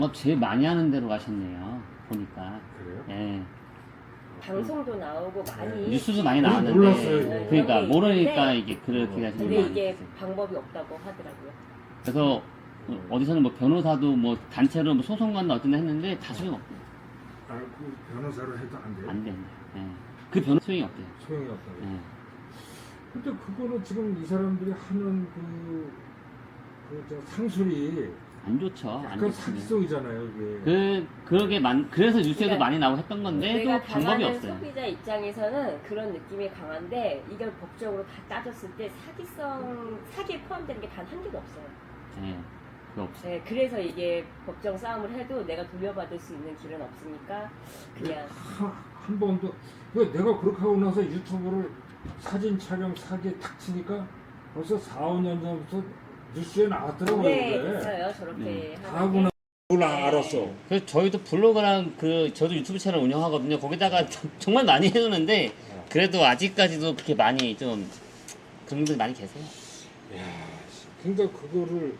제일 많이 하는 데로 가셨네요. 보니까. 그래요? 예. 방송도 나오고 많이 뉴스도 많이 나왔는데. 몰랐어요, 이거. 그러니까 모르니까 있는데, 이게 그렇게 가시는 근데 거예요. 이게 방법이 없다고 하더라고요. 그래서 어디서는 뭐 변호사도 뭐 단체로 뭐 소송 간다 어쩐다 했는데 다 소용없대요. 아, 그 변호사로 해도 안 돼요? 안 된다. 예. 그 변호 소용이 없대요. 소용이 없다고. 예. 근데 그거는 지금 이 사람들이 하는 상술이 안 좋죠. 안 약간 좋죠. 사기성이잖아요, 이게. 그래서 뉴스에도 그러니까 많이 나오고 했던 건데 또 내가 방법이 당하는 없어요. 소비자 입장에서는 그런 느낌이 강한데 이걸 법적으로 다 따졌을 때 사기에 포함되는 게 단 한 개도 없어요. 예. 그거 없어요. 네, 그래서 이게 법정 싸움을 해도 내가 돌려받을 수 있는 길은 없으니까 그냥 한 번도. 내가 그렇게 하고 나서 유튜브를 사진 촬영 사기에 탁 치니까 벌써 4, 5년 전부터 뉴스에 나왔더라고요. 네, 그게. 있어요. 저렇게 다 하는 하고 게. 나 그걸 알았어. 그래서 저희도 블로그랑 저도 유튜브 채널 운영하거든요. 거기다가 정말 많이 해놓는데 그래도 아직까지도 그렇게 많이 좀 그런 분들이 많이 계세요. 야, 그러니까 그거를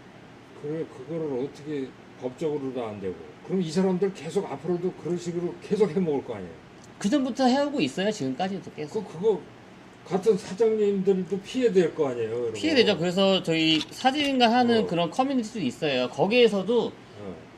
어떻게 법적으로도 안 되고. 그럼 이 사람들 계속 앞으로도 그런 식으로 계속 해먹을 거 아니에요. 그 전부터 해오고 있어요. 지금까지도 계속. 그거 같은 사장님들도 피해될 거 아니에요. 이런 거. 피해되죠. 그래서 저희 사진가 하는 어. 그런 커뮤니티도 있어요. 거기에서도